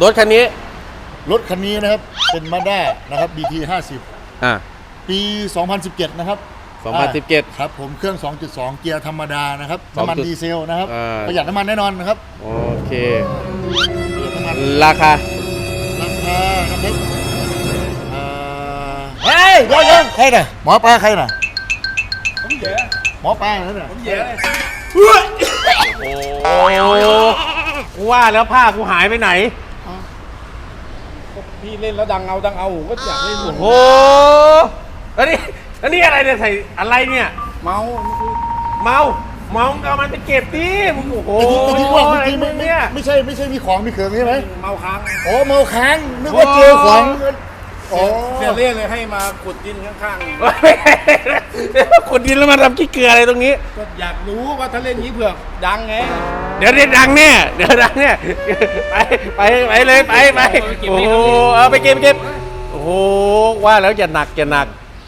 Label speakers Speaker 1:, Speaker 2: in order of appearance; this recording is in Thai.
Speaker 1: รถคันนี้
Speaker 2: นะครับเป็นมาด้านะครับ BT 50ปี 2017 นะครับ
Speaker 1: 2017
Speaker 2: ครับผมเครื่อง 2.2 เกียร์ธรรมดานะครับน้ำมันดีเซลนะครับประหยัดน้ำมันแน่นอนนะครับ
Speaker 1: โอเคราคา
Speaker 2: นะครับเฮ้ยเดี๋ยวใครน่ะหมอปลาใครน่ะผมแย่หมอปลานั่นน่ะผมแย่
Speaker 1: โอ้กูว่าแล้วผ้ากูหายไปไหน
Speaker 3: พี่เล่นแล้วดังเอาผมก็อยากเล่น
Speaker 1: โอ้โหแล้วนี่อะไรเนี่ยใส่อะไรเนี่ยเมาเอามันไปเก็บดิมึงโอ้โห
Speaker 2: ที่ว่าเมื่อกี้ไม่ใช่มีของมีเขื่องใช่ไหม
Speaker 3: เมาค้าง
Speaker 2: โอ้เมาค้างนึกว่าเจอของ
Speaker 3: เสียเรียกเลยให้มาขุดดินข้าง
Speaker 1: ๆขุดดินแล้วมาทำขี้เกลืออะไรตรงนี้
Speaker 3: ก็อยากรู้ว่าถ้าเล่นนี้เผื่อดังไง
Speaker 1: เดี๋ยวดังแน่ไปเลยโอ้โหเอาไปเก็บโอ้โหว่าแล้วจะหนัก